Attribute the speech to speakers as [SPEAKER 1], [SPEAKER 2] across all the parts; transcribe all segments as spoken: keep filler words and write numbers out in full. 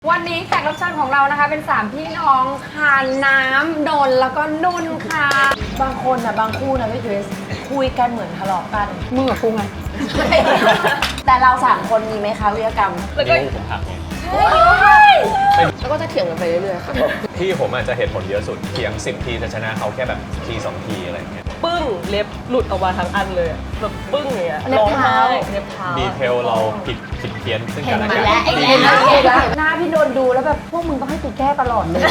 [SPEAKER 1] วันนี้แขกรับเชิญของเรานะคะเป็นสามพี่น้องค่ะน้ำนนท์แล้วก็นุ่นค่ะ
[SPEAKER 2] บางคนนะบางคู่นะพี่เกรซคุยกันเหมือนทะเลาะกัน
[SPEAKER 1] มึงกับกูไง
[SPEAKER 2] แต่เราสามคนมีไหมคะวิทยกรรม
[SPEAKER 3] แล้วก็ผมหักไง
[SPEAKER 2] แล้วก็จะเถียงกันไปเรื่อยๆค่ะ
[SPEAKER 3] พี่ผมอาจจะเหตุผลเยอะสุดเถียงสิบทีจะชนะเขาแค่แบบทีสองทีอะไรเงี้ย
[SPEAKER 4] ปึ้งเล็บหลุดออกมาทั้งอันเลยแบบปึ้งเลยอะ
[SPEAKER 2] เล็บเท้า
[SPEAKER 4] เล็บเท้า
[SPEAKER 3] ดีเทลเราผิดผิดเพี้ยนซึ่ง
[SPEAKER 2] เห็
[SPEAKER 3] กัน นและ
[SPEAKER 2] มา
[SPEAKER 3] กัน
[SPEAKER 2] แล้วไอ้เนี่ยหน้าพี่โดนดูแล้วแบบพวกมึงต้องให้กูแก้ตลอดเลย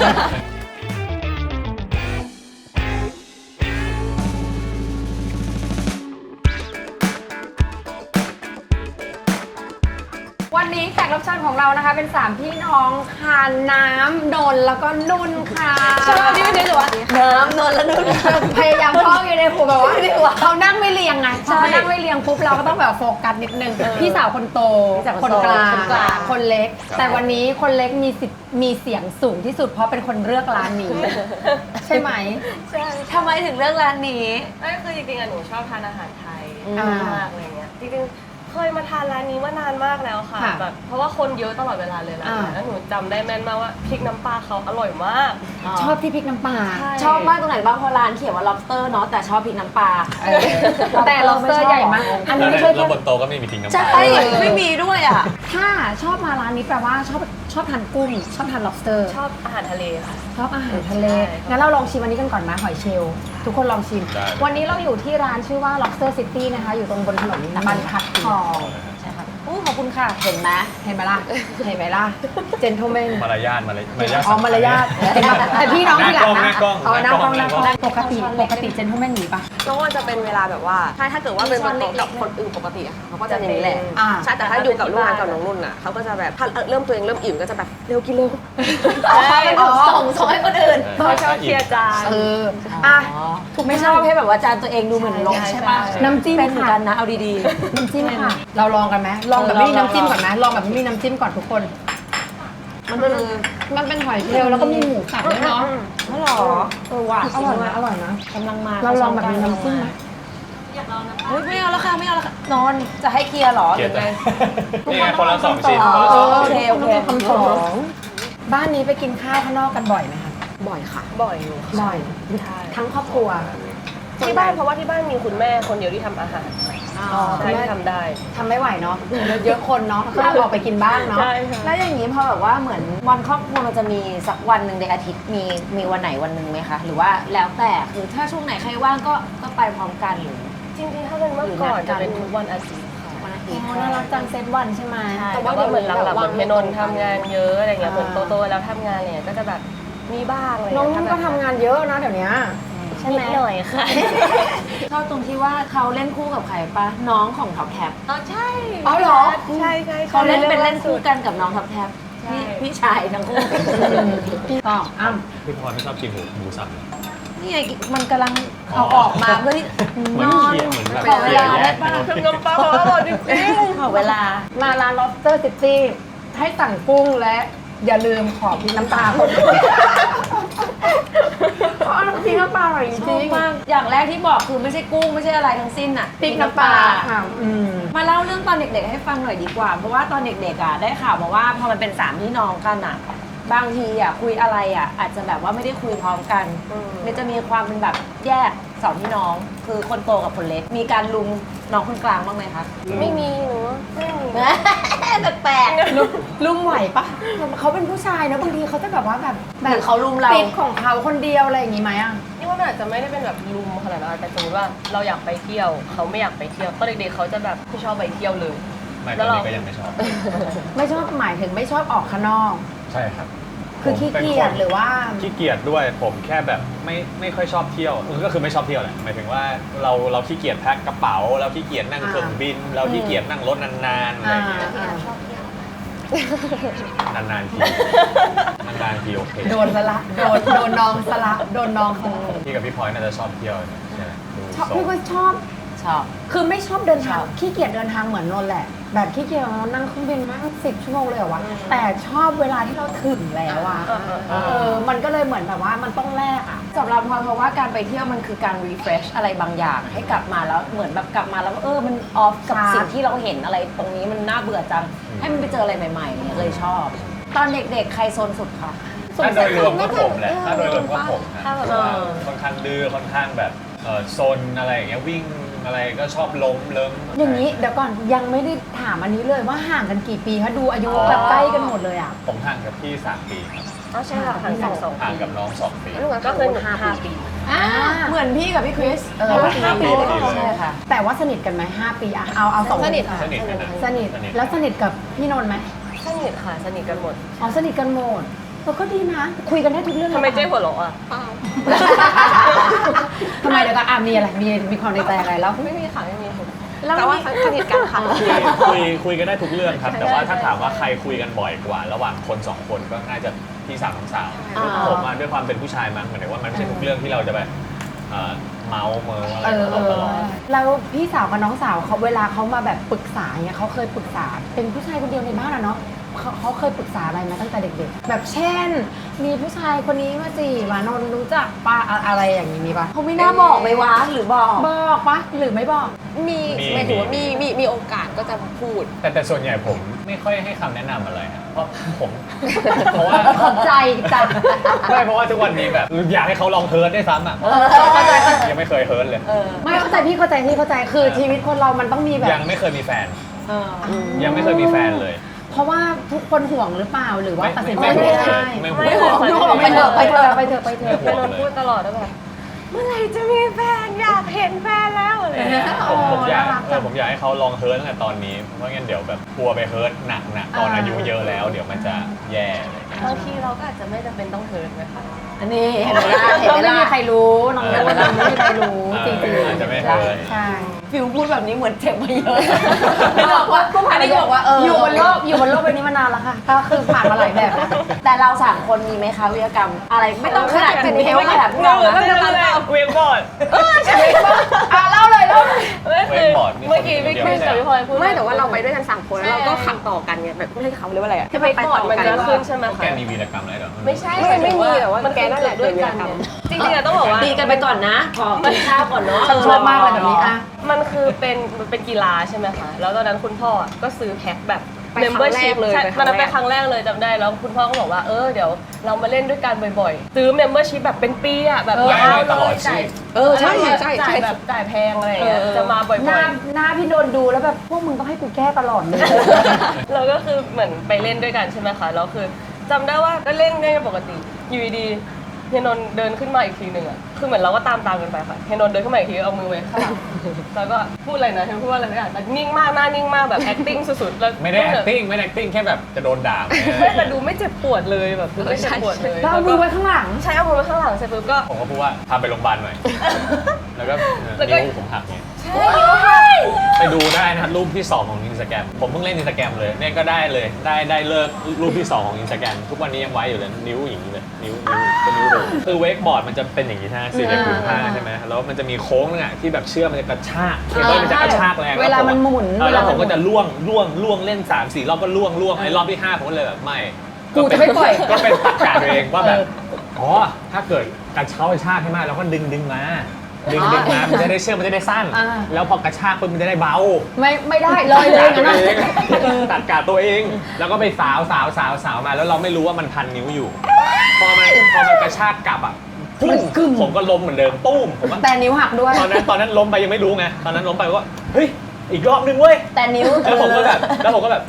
[SPEAKER 1] วันนี้แขกรับเชิญของเรานะคะเป็นสามพี่น้องค่ะน้ำนนท์แล้วก็นุ่นค่ะ
[SPEAKER 2] ชอบที่ไม่ได้หรอวะน้ำนนแล้วนุ่น
[SPEAKER 1] พยายามท่องอยู่ในหัวแบบว่าเขานั่งไม่เรียงไงพอเขานั่งไม่เรียงปุ๊บเราก็ต้องแบบโฟกัสนิดนึงพี่สาวคนโตคนกลางคนเล็กแต่วันนี้คนเล็กมีสิทธิ์มีเสียงสูงที่สุดเพราะเป็นคนเลือกร้านนี้ใช่ไหม
[SPEAKER 2] ใช่ทำไมถึงเลือกร้านนี้
[SPEAKER 4] นั่นคือจริงๆอะหนูชอบทานอาหารไทยมากอะไรเงี้ยจริงๆเคยมาทานร้านนี้มานานมากแล้วค่ะแบบเพราะว่าคนเยอะตลอดเวลาเลยร้านแล้วหนูจำได้แม่นมากว่าพริกน้ำปลาเขาอร่อยมาก
[SPEAKER 1] ชอบที่พริกน้ำปลา
[SPEAKER 2] ชอบมากตรงไหนบ้างเพราะร้านเขียนว่า lobster เนาะแต่ชอบพริกน้ำปลา
[SPEAKER 1] แต่ lobster ใหญ่มาก
[SPEAKER 3] อันนี้ไม่ใช่แล้วบนโต๊ะก็ไม่มีทิ้งน้ำปลา
[SPEAKER 2] ใช่ไม่มีด้วยอ่ะ
[SPEAKER 1] ถ้าชอบมาร้านนี้แปลว่าชอบชอบทานกุ้งชอบทาน lobster
[SPEAKER 4] ชอบอาหารทะเลค่ะ
[SPEAKER 1] ชอบอาหารทะเลงั้นเราลองชิมอันนี้กันก่อนไหมหอยเชลล์ทุกคนลองชิมวันนี้เราอยู่ที่ร้านชื่อว่า lobster city นะคะอยู่ตรงบนถนนบรรทัดทองใช่ค่ะอู้ขอบคุณค่ะเห็นไหมเห็นไหมล่ะเห็นไหมล่ะเจนทลแมน
[SPEAKER 3] มารยาทมารยาท
[SPEAKER 1] อ๋อมารยาทแต่พี่น้องที่หลังนะอ๋อหน้ากล้องหน้ากล้องปกติปกติเจนทลแมนหนีปะ
[SPEAKER 2] น้องจะเป็นเวลาแบบว่าถ้าถ้าเกิดว่าเป็นบนโต๊ะกับคนอื่นปกติอะเขาก็จะอย่างนี้แหละใช่แต่ถ้าอยู่กับลูกงานกับน้องนุ่นอะเขาก็จะแบบถ้าเริ่มตัวเองเริ่มอิ่มก็จะแบบเร็วกินเร็วส่งส่งให้คนอื่น
[SPEAKER 4] เขาชอบเคลียร์จาน
[SPEAKER 1] เอออ่ะ
[SPEAKER 2] ไม่ชอบให้แบบว่าจานตัวเองดูเหมือนรกใช่ปะ
[SPEAKER 1] น้ำจิ้ม
[SPEAKER 2] เป็นเหมือนกันนะเอาดี
[SPEAKER 1] ๆน้ำจิ้มค่ะเราลองกันไหมลองแบบไม่มีน้ำจิ้มก่อนไหมลองแบบไม่มีน้ำจิ้มก่อนทุกคน
[SPEAKER 2] มันคือ
[SPEAKER 1] มันเป็นหอยเชลล์แล้วก็มีหมูสับด้วยเนาะ
[SPEAKER 2] ไม่หรอ
[SPEAKER 1] เออว่ะอร่อยนะอร่อยนะ
[SPEAKER 2] กำลังมา
[SPEAKER 1] เราลองแบบมีน้ำจิ้มไหม
[SPEAKER 2] เฮ้ยไม่เอาแล้วค่ะไม่เอาแล้วค่ะนอนจะให้เคลียร์หรอ
[SPEAKER 3] หรือไงนี่
[SPEAKER 2] ไง
[SPEAKER 3] คนละสองชิ้น
[SPEAKER 2] โอเคโอเค
[SPEAKER 1] คำสองบ้านนี้ไปกินข้าวข้างนอกกันบ่อยไหมคะ
[SPEAKER 2] บ่อยค่ะ
[SPEAKER 4] บ่อยอยู่
[SPEAKER 1] บ่อยทั้งครอบครัว
[SPEAKER 4] ที่บ้านเพราะว่าที่บ้านมีคุณแม่คนเดียวที่ทำอาหารใช่ที่ทำได้
[SPEAKER 1] ทำไม่ไหวเนาะเยอะคนเนาะก็ออกไปกินบ้างเนาะ
[SPEAKER 2] แล้วอย่างนี้พอแบบว่าเหมือนวันครอบครัวมันจะมีสักวันหนึ่งในอาทิตย์มีมีวันไหนวันหนึ่งไหมคะหรือว่าแล้วแต่คือถ้าช่วงไหนใครว่างก็ก็ไปพร้อมกันหรือ
[SPEAKER 4] จริงๆถ้าเป็นเมื่อก่อนจะเป็นทุกวันอาทิตย์ค่ะ
[SPEAKER 2] วันอาทิตย์
[SPEAKER 1] น่ารักจังเซตวันใช่ไหม
[SPEAKER 4] แต่ว่าเหมือนหลังๆเหมือนพี่นนท์ทำงานเยอะอะไรเงี้ยเหมือนโตๆแล้วทำงานเนี่ยก็จะแบบมีบ้างอะไร
[SPEAKER 1] น้องก็ทำงานเยอะนะเดี๋ยวนี้
[SPEAKER 2] ใช่ไหม
[SPEAKER 4] หน่อยค่ะ
[SPEAKER 2] ชอบตรงที่ว่าเขาเล่นคู่กับใครปะน้องของท็อปแท็บ
[SPEAKER 4] อ๋อใช่
[SPEAKER 1] อ๋อเหรอ
[SPEAKER 4] ใช่ใช่
[SPEAKER 2] เขาเล่นเป็นเล่นคู่กันกับน้องท็อปแท็บพี่พี่ชายทั้งคู่
[SPEAKER 1] พี่ต่ออ้ำ
[SPEAKER 3] พี่พรไม่ชอบกินหมูหมูสับ
[SPEAKER 2] นี่ไงมันกำลังเอาออกมาเพื่อที่
[SPEAKER 3] นอนเหมือนแบบเสียแยก
[SPEAKER 4] คือน้ำปลาอร่อยจริง
[SPEAKER 2] ๆขอเวลา
[SPEAKER 1] มาร้าน lobster city ให้สั่งกุ้งและอย่าลืมขอพริกน้ำปลาคนเพราะพริกน้ำปลาอร่อยจริง
[SPEAKER 2] มากอย่างแรกที่บอกคือไม่ใช่กุ้งไม่ใช่อะไรทั้งสิ้นอ่ะ
[SPEAKER 1] พริกน้ำปลาค่ะ
[SPEAKER 2] มาเล่าเรื่องตอนเด็กๆให้ฟังหน่อยดีกว่าเพราะว่าตอนเด็กๆอ่ะได้ข่าวมาว่าพอมันเป็นสามพี่น้องกันอ่ะบางทีอ่ะคุยอะไรอ่ะอาจจะแบบว่าไม่ได้คุยพร้อมกันมันจะมีความเป็นแบบแยกสองพี่น้องคือคนโตกับคนเล็กมีการลุมน้องคนกลางบ้างไหมคะ
[SPEAKER 4] ไม่มีหนูไม่มี
[SPEAKER 2] แปลก
[SPEAKER 1] ๆลุมไหวปะเขาเป็นผู้ชายนะบางทีเขาจะแบบว่าแบบ
[SPEAKER 2] แบบเขาลุมเรา
[SPEAKER 1] ปิดของเขาคนเดียวอะไรอย่างงี้ไหมอ่ะ
[SPEAKER 4] นี่ว่ามันอาจจะไม่ได้เป็นแบบลุมขนาดนั้นแต่สมมติว่าเราอยากไปเที่ยวเขาไม่อยากไปเที่ยวตอนเด็กๆเขาจะแบบไม่ชอบไปเที่ยวเลย
[SPEAKER 3] ไม่ตอนนี้ก็ยังไม่ชอบ
[SPEAKER 1] ไม่ชอบหมายถึงไม่ชอบออกข้างนอก
[SPEAKER 3] ใช่ครับ
[SPEAKER 1] คือขี้เกียจหรือว่า
[SPEAKER 3] ขี้เกียจด้วยผมแค่แบบไม่ไม่ค่อยชอบเที่ยวก็คือไม่ชอบเที่ยวแหละหมายถึงว่าเราเราขี้เกียจแพ็คกระเป๋าเราขี้เกียจนั่งเครื่องบินเราขี้เกียจนั่งรถนานๆอะไรอย่างเงี้ย
[SPEAKER 2] ชอบเที่ย
[SPEAKER 3] วนานๆทีนานๆทีโอเค
[SPEAKER 1] โดนสละโดนโดนน้องสละโดนน้อง
[SPEAKER 3] พี่กับพี่พลอยน่าจะชอบเที่ยวใช่
[SPEAKER 1] ชอบพี่ก็ชอบ
[SPEAKER 2] ชอบ
[SPEAKER 1] คือไม่ชอบเดินทางขี้เกียจเดินทางเหมือนนนท์แหละแบบขี้เกียจนั่งเครื่องบินนั่งสิบชั่วโมงเลยเหรอวะแต่ชอบเวลาที่เราถึงแล้วอ่ะเออมันก็เลยเหมือนแบบว่ามันต้องแลกอ่ะ
[SPEAKER 2] สำหรับพลอยเพราะว่าการไปเที่ยวมันคือการ refresh อะไรบางอย่างให้กลับมาแล้วเหมือนแบบกลับมาแล้วเออมันออฟกับสิ่งที่เราเห็นอะไรตรงนี้มันน่าเบื่อจังให้มันไปเจออะไรใหม่ๆเนี่ยเลยชอบตอนเด็กๆใครโซนสุดคะ
[SPEAKER 3] ถ้าโดยรวมก็ผมแหละถ้าโดยรวมก็ผมนะ
[SPEAKER 4] ถ้าแบบ
[SPEAKER 3] เพราะว่าค่อนข้างดื้อค่อนข้างแบบเออโซนอะไรอย่างเงี้ยวิ่งอะไรก็ชอบล้มเลิ้ม
[SPEAKER 1] อย่างนี้เดี๋ยวก่อนยังไม่ได้ถามอันนี้เลยว่าห่างกันกี่ปีคะดูอายุแบบใกล้กันหมดเลยอ่ะ
[SPEAKER 3] ผมห่างกับพี่สามปีครับ
[SPEAKER 4] อ๋อใช่ค่ะห่างกันสอง
[SPEAKER 3] ห่างกับน้องสองปี
[SPEAKER 4] ก็คือหนูห้าปี
[SPEAKER 1] อ่า
[SPEAKER 2] เหมือนพี่กับพี่คริส
[SPEAKER 1] เออ
[SPEAKER 2] ห้าปีเลย
[SPEAKER 3] ห้าปี
[SPEAKER 2] ใช่ค่ะ
[SPEAKER 1] แต่ว่าสนิทกันไหมห้าปีอะเอาเอาสอง
[SPEAKER 4] สนิท
[SPEAKER 1] อ่ะ
[SPEAKER 3] สนิทกันนะ
[SPEAKER 1] สนิทแล้วสนิทกับพี่นนท์ไหม
[SPEAKER 4] สนิทค่ะสนิทกันหมด
[SPEAKER 1] อ๋อสนิทกันหมดเออก็ดีนะ คุยกันได้ทุกเรื่อง
[SPEAKER 4] ทำไม
[SPEAKER 1] ลย
[SPEAKER 4] เจ๊หัวเราะอ่ะ
[SPEAKER 1] ทำไมเดี๋ยวก็อ่ะมีอะไรมีมีความในใจอะไรแล้ว
[SPEAKER 4] ไม่มีค่ะไม่มีค่ะ
[SPEAKER 2] แต่ว่าสนิทกันค่ะ
[SPEAKER 3] คุยคุยคุยกันได้ทุกเรื่องครับ แต่ว่าถ้าถามว่าใครคุยกันบ่อยกว่า ระหว่างคนสองคนก็น่าจะพี่สาวน้องสาว
[SPEAKER 2] อ่า
[SPEAKER 3] ผมมาด้วยความเป็นผู้ชายมั้งเหมือนกับว่ามันไม่ใช่ทุกเรื่องที่เราจะแบบเอ่อเมาส์เมิร์อะไร
[SPEAKER 1] เออ
[SPEAKER 3] กับ
[SPEAKER 1] เอ
[SPEAKER 3] เราต
[SPEAKER 1] อ
[SPEAKER 3] ลอด
[SPEAKER 1] แล้วพี่สาวกับน้องสาวเขาเวลาเขามาแบบปรึกษาเนี่ยเขาเคยปรึกษาเป็นผู้ชายคนเดียวในบ้านอะเนาะเขาเขาเคยปรึกษาอะไรมาตั้งแต่เด็กๆ แบบเช่น มีผู้ชายคนนี้มาจีบว่านนท์รู้จักป้าอะไรอย่างนี้มีปะ
[SPEAKER 2] เขาไม่น่าบอกเลยวะหรือบอก
[SPEAKER 1] บอกปะหรือไม่บอก
[SPEAKER 5] มี
[SPEAKER 3] มี
[SPEAKER 5] หมายถึงว่ามีมีมีโอกาสก็จะพูด
[SPEAKER 3] แต่แต่ส่วนใหญ่ผมไม่ค่อยให้คำแนะนำอะไรครับเพราะผม เพราะว่า
[SPEAKER 1] ขอบใจจัง
[SPEAKER 3] ไม่เพราะว่าทุกวันนี้แบบอยากให้เขาลองเฮิร์ตได้วยซ้ำอ่ะ
[SPEAKER 1] เข้าใจเข้าใจ
[SPEAKER 3] ยังไม่เคยเฮิร์ตเลย
[SPEAKER 1] ไม่เข้าใจพี่เข้าใจพี่เข้าใจคือชีวิตคนเรามันต้องมีแบบ
[SPEAKER 3] ยังไม่เคยมีแฟน
[SPEAKER 2] เออ
[SPEAKER 3] ยังไม่เคยมีแฟนเลย
[SPEAKER 1] เพราะว่าทุกคนห่วงหรือเปล่าหรือว่า
[SPEAKER 3] ไม่
[SPEAKER 1] ตัดสินใจ
[SPEAKER 3] ไม่
[SPEAKER 1] ไม่
[SPEAKER 3] ห่วง
[SPEAKER 1] ได้
[SPEAKER 3] ไม่
[SPEAKER 4] ไม่
[SPEAKER 3] ห่วง
[SPEAKER 4] ห่วง
[SPEAKER 1] ทุกคนบอกไปเถอะไปเถอะไปเถอะไปเถอะ
[SPEAKER 3] ไม่
[SPEAKER 4] เป็น
[SPEAKER 3] ห่วง
[SPEAKER 4] นน
[SPEAKER 3] เลย
[SPEAKER 4] พูดตลอดว่าแบบเมื่อไหร่จะมีแฟนอยากเห็นแฟนแล้วอะไรอย่างเงี้ย
[SPEAKER 3] ผมผมอยาก
[SPEAKER 1] น่ารักจั
[SPEAKER 3] เออง ผมอยากให้เขาลองเฮิร์ตตั้งแต่ตอนนี้ เพราะงั้นเดี๋ยวแบบกลัวไปเฮิร์ตหนักหนักๆตอนอายุเยอะแล้ว เดี๋ยวมันจะแย่อะไรอย่างเงี้ย
[SPEAKER 4] บางทีเราก็อาจจะไม่จำเป็นต้องเฮิร์ตนะคะ
[SPEAKER 2] อันนี้เห็นไหมล่ะเห็น
[SPEAKER 1] ก็
[SPEAKER 2] ไหม
[SPEAKER 1] ไม่
[SPEAKER 2] ล่ะ
[SPEAKER 1] มีใครรู้น้องรู้น้องไม่มีใครรู้จริง
[SPEAKER 3] เอออาจจะไม่เฮิร์ต
[SPEAKER 1] ๆใช่
[SPEAKER 2] ฟิลพูดแบบนี้เหมือนเจ็บมาเยอะ
[SPEAKER 1] ไม่บอกว่าก็ผ่าน
[SPEAKER 2] อันนี้ก็บอกว่าเออ
[SPEAKER 1] อ
[SPEAKER 2] อยู่
[SPEAKER 1] บนโลกอยู่บนโลกใบนี้มานานแล้วค่ะก็คือผ่านมาหลายแบบแล้ว
[SPEAKER 2] แต่เราสามคนมีไหมคะวิทยกรรม อะไรไม่ต้องขนาดถึงเทลขนาดพวกเรานะ
[SPEAKER 4] ไม่ต้องเลยเวียงบอร์ด
[SPEAKER 1] อ่ะเล่าเลยเล่าเลย
[SPEAKER 4] ไม่คือ
[SPEAKER 3] เวกบอร์ดมีคน
[SPEAKER 4] เมื่อกี้พี่
[SPEAKER 3] เดียว
[SPEAKER 4] คริสกับพี่พลอยพูด
[SPEAKER 5] ไม่แต่ว่าเราไปด้วยกันสามคนแล้วเราก็
[SPEAKER 4] ใช่
[SPEAKER 5] ขับต่อกันไงแบบไม่ใช่เขาเรียกว่าอะไรอะ
[SPEAKER 4] ที่เวกบอร์ดมันจะขึ้นใช่ไหม
[SPEAKER 3] แก
[SPEAKER 4] คะ
[SPEAKER 3] มีวีรกรรมอะไรเหรอ
[SPEAKER 4] ไม่ใช่
[SPEAKER 5] ไม่ไม่มีแต่ว่า
[SPEAKER 4] มัน
[SPEAKER 5] แกนั่นแหละ
[SPEAKER 4] ด้วยกัน
[SPEAKER 5] เกิดวีรกรรม
[SPEAKER 4] จริงๆอะต้องบอกว่า
[SPEAKER 2] ดีกันไปก่อนนะขอกินข้าวก่อนเนาะ
[SPEAKER 1] ฉันชอบมากเลยแบบนี้อ่ะ
[SPEAKER 4] มันคือเป็นมันเป็นกีฬาใช่ไหมคะ แล้วตอนนั้นคุณพ่ออะก็ซื้อแพ็คแบบ
[SPEAKER 5] ไปครั้งแรกเลย
[SPEAKER 4] ใช่
[SPEAKER 5] ไปครั้งแรก
[SPEAKER 4] ตอนนั้นไปครั้งแรกเลยจำได้ แล้วคุณพ่อก็บอกว่า เออ เดี๋ยวเรามาเล่นด้วยกันบ่อยๆ ซื้อ membership แบบเป็นปีอะแบบ
[SPEAKER 1] เออ
[SPEAKER 4] ยาว
[SPEAKER 3] ตลอ
[SPEAKER 4] เล
[SPEAKER 3] ด
[SPEAKER 4] ย
[SPEAKER 3] ชี
[SPEAKER 4] จ่าย
[SPEAKER 3] วิต
[SPEAKER 5] เออใช่ใช่ใช่
[SPEAKER 4] จ่ายแบบจ่ายแพงอะไรอย่างเงี้ย จะมาบ่อย
[SPEAKER 1] หน้า
[SPEAKER 4] ๆ
[SPEAKER 1] หน้าพี่โดนดูแล้วแบบพวกมึงต้องให้กูแก้ตลอดเลย
[SPEAKER 4] เราก็คือเหมือนไปเล่นด้วยกันใช่ไหมคะแล้วคือจำได้ว่าก็เล่นเล่นกันปกติอยู่ดีๆเฮียนนท์เดินขึ้นมาอีกทีหนึ่งอะคือเหมือนเราก็ตามตามกันไปค่ะเฮียนนท์เดินขึ้นมาอีกทีเอามือไว้ข้างหลังแล้วก็พูดอะไรนะเฮียพูดว่าอะไรไม่ได้แต่นิ่งมากหน้านิ่งมากแบบ acting สุดๆแล้ว
[SPEAKER 3] ไม่ได้ acting ไม่ได้ acting แค่แบบจะโดนด่า
[SPEAKER 4] ไม่แต่ดูไม่เจ็บปวดเลยแบบดูไม่เจ็บปวดเลย
[SPEAKER 1] แล้วเอามือไว้ข้างหลัง
[SPEAKER 4] ใช้เอามือไว้ข้างหลังเสร็จปุ๊บก็
[SPEAKER 3] ผมก็พูดว่าพาไปโรงพยาบาลหน่อย แล้วก็เออ
[SPEAKER 4] แล้วก็
[SPEAKER 3] นิ้วผมหักเนี่ย
[SPEAKER 4] ใช่นิ้วหัก
[SPEAKER 3] ไปดูได้นะครับรูปที่สองของอินสตาแกรมผมเพิ่งเล่นอินสตาแกรมเลยเนี่ยก็ได้เลยได้ได้เลิกรูปที่สองของอินสตาแกรมทุกวันนี้ยังไว้อยู่เลยนิ้วอย่างนี้เลยนิ้วนิ้วเป็นนิ้วเลยคือเวกบอร์ดมันจะเป็นอย่างนี้ใช่ไหมสี่เหลี่ยมผืนผ้าใช่ไหมแล้วมันจะมีโค้งนึงอ่ะที่แบบเชือกมันจะกระชากเคเบิลมันจะกระชากแรง
[SPEAKER 1] เวลามันหมุน
[SPEAKER 3] เออแล้วผมก็
[SPEAKER 1] เวลามันหมุน
[SPEAKER 3] จะล่วงล่วงล่วงเล่นสามสี่รอบก็ล่วงล่วงไอ้รอบที่ห้าผมก็เลยแบบไม่
[SPEAKER 1] กูจะไม่ปล่อย
[SPEAKER 3] ก็เป็นตักการตัวเองว่าแบบ
[SPEAKER 1] เออ
[SPEAKER 3] อ๋อถ้าเกิดกระเช้ากระชากให้มากเราก็ดึงดึงมาดึงดึงมามันจะได้เชือกมันจะได้สั้น
[SPEAKER 1] อ่า
[SPEAKER 3] แล้วพอกระชากปุ๊บมันจะได้เบา
[SPEAKER 1] ไม่ไม่ได้เลยเลย
[SPEAKER 3] ตัด
[SPEAKER 1] นะ
[SPEAKER 3] ตัวเองตัดกาดตัวเอง แล้วก็ไปสาวสาวสาวสาวมา แล้วเราไม่รู้ว่ามันพันนิ้วอยู่ พอมันพอมันกระชากกลับอ่ะปุ้มผมก็ล้มเหมือนเดิมปุ้มผมว่า
[SPEAKER 1] แต่นิ้วหักด้วย
[SPEAKER 3] ตอนนั้นตอนนั้นล้มไปยังไม่รู้ไงตอนนั้นล้มไปก็เฮ้ยอีกรอบนึงเว้ย
[SPEAKER 1] แต่นิ้ว
[SPEAKER 3] แล้วผมก็แบบแล้วผมก็แบบ